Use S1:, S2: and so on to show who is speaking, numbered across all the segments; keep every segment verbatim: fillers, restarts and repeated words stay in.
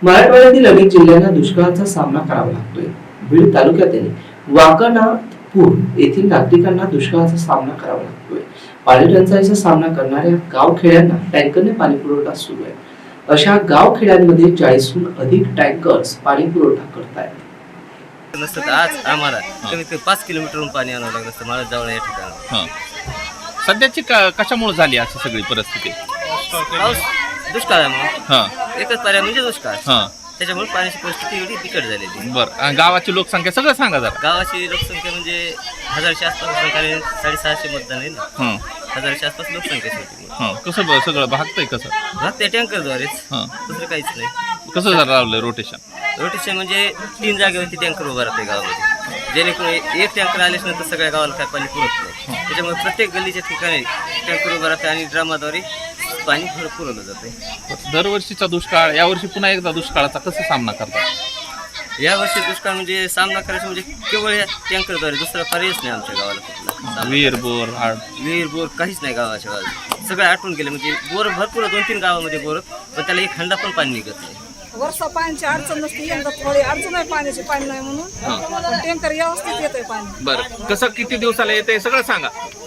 S1: मराठवाड्यातील अनेक जिल्ह्यांना दुष्काळाचा सामना करावा लागतोय. बीड तालुक्यातील वाकणापूर येथील नागरिकांना दुष्काळाचा सामना करावा लागतोय. पाणी टंचाईचा सामना करणाऱ्या गावखेड्यांना टँकरने पाणी पुरवठा सुरू आहे. अशा गावखेड्यांमध्ये चाळीसहून अधिक टँकर्स पाणी पुरवठा करतायत.
S2: नसतं आज आम्हाला कमीत कमी पाच किलोमीटरहून पाणी आणावं लागलं असतं मला जवळ या ठिकाणी.
S3: हां. सध्याची का कशामुळे झाली अशी सगळी परिस्थिती?
S2: पाऊस दुष्काळामुळे
S3: हां
S2: एकच पर्याय म्हणजे दुष्काळ.
S3: हां
S2: त्याच्यामुळे पाण्याची परिस्थिती एवढी बिकट झालेली.
S3: बरं. गावाची लोकसंख्या सगळं सांगा जरा.
S2: गावाची लोकसंख्या म्हणजे हजारच्या आसपास लोकसंख्या, साडेसहाशे मतदान आहे ना.
S3: हां
S2: हजारच्या आसपास लोकसंख्या होती.
S3: हां. कसं ब- सगळं भागतंय कसं?
S2: भात त्या टँकरद्वारेच,
S3: हां.
S2: दुसरं काहीच नाही.
S3: कसं जरा लावलंय रोटेशन?
S2: रोटेशन म्हणजे तीन जागेवरती टँकर उभा राहते गावामध्ये, जेणेकरून एक टँकर आल्याच नंतर सगळ्या गावाला काय पाणी पुरत नाही. त्याच्यामुळे प्रत्येक गल्लीच्या ठिकाणी टँकर उभा राहते आणि ड्रामाद्वारे पाणी भर पुरवलं जाते.
S3: दरवर्षीचा दुष्काळ, यावर्षी पुन्हा एकदा दुष्काळाचा कसा सामना करतात?
S2: या वर्षी दुष्काळ म्हणजे सामना करायचा म्हणजे केवळ या टँकरद्वारे, दुसरा पर्यायच नाही आमच्या गावाला कुठला.
S3: विहीर बोर आड
S2: विहीर बोर काहीच नाही गावाच्या गावात, सगळं आटून गेलं. म्हणजे बोर भरपूर दोन तीन गावामध्ये बोर, पण त्याला एक खंडा पण पाणी निघत नाही.
S4: वर्षा पाण्याची अडचण नसते, यंदा थोडी अडचण आहे पाण्याची, पाणी नाही म्हणून टँकर व्यवस्थित येत आहे पाणी.
S3: बरं. कसं किती दिवसाला येते सगळं सांगा.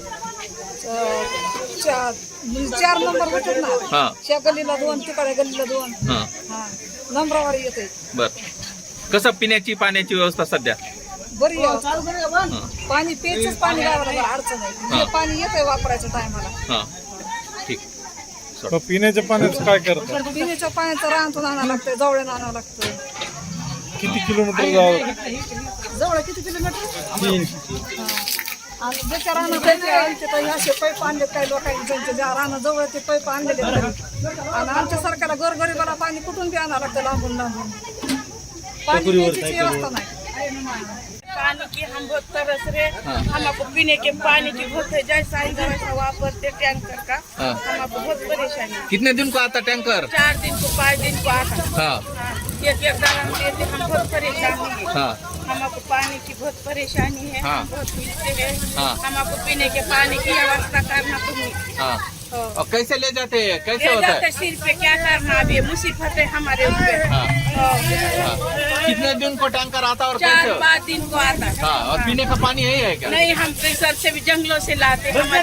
S4: च- चा- म्हणजे चार नंबर होतात ना,
S3: हां
S4: त्या गल्लीला दोन, तिकडे गल्लीला दोन,
S3: हां.
S4: हा नंबरावर येते.
S3: बरं. कसं पिण्याची पाण्याची व्यवस्था सध्या?
S4: बरी व्यवस्था. पाणी प्यायचंच पाणी गावाला जरा अडचण आहे, ते पाणी येत आहे वापरायच्या टायमाला.
S3: हां ठीक.
S5: मग पिण्याच्या पाण्याचं काय करतात?
S4: पिण्याच्या पाण्याचं रानातून आणावं लागतंय, जवळून आणावं लागतंय.
S5: किती किलोमीटर जावं?
S4: जवळ किती किलोमीटर?
S5: तीन.
S4: आणि ज्याच्या रानं जायचे आमचे तर असे पैप आणले काही लोकांनी, ज्यांच्या ज्या रानं जवळ ते पैप आणलेले आहेत. आणि आमच्या सरकारला गोरगरिबाला पाणी कुठून बी आणावं लागतं लांबून लांबून. पाणी प्यायची व्यवस्था नाही.
S6: पानी की हम बहुत तरस रहे, हमको पीने के पानी की बहुत है, जैसा ही वैसा वापरते टैंकर का,
S3: हाँ।
S6: हमको बहुत परेशानी।
S3: कितने दिन को आता टैंकर?
S6: चार दिन को पाँच दिन को आता।
S3: हाँ
S6: हाँ, एक एक दाना देते, हम बहुत परेशानी है।
S3: हाँ
S6: हमको पानी की बहुत परेशानी है,
S3: हाँ।
S6: हम बहुत पीते हैं।
S3: हाँ।
S6: हमको पीने के पानी की व्यवस्था करना तुम्हें।
S3: हाँ।
S6: हाँ।
S3: और कैसे ले जाते हैं, कैसे
S6: ले
S3: होता
S6: जाते
S3: है?
S6: सिर पे, क्या करना अभी मुसीबत है हमारे ऊपर।
S3: हाँ।
S6: हाँ।
S3: हाँ। कितने दिन को टैंकर आता और
S6: चार
S3: कैसे?
S6: पाँच दिन को आता।
S3: हाँ। और पीने का पानी यही है क्या?
S6: नहीं, हम प्रेशर से भी जंगलों से लाते, हमारे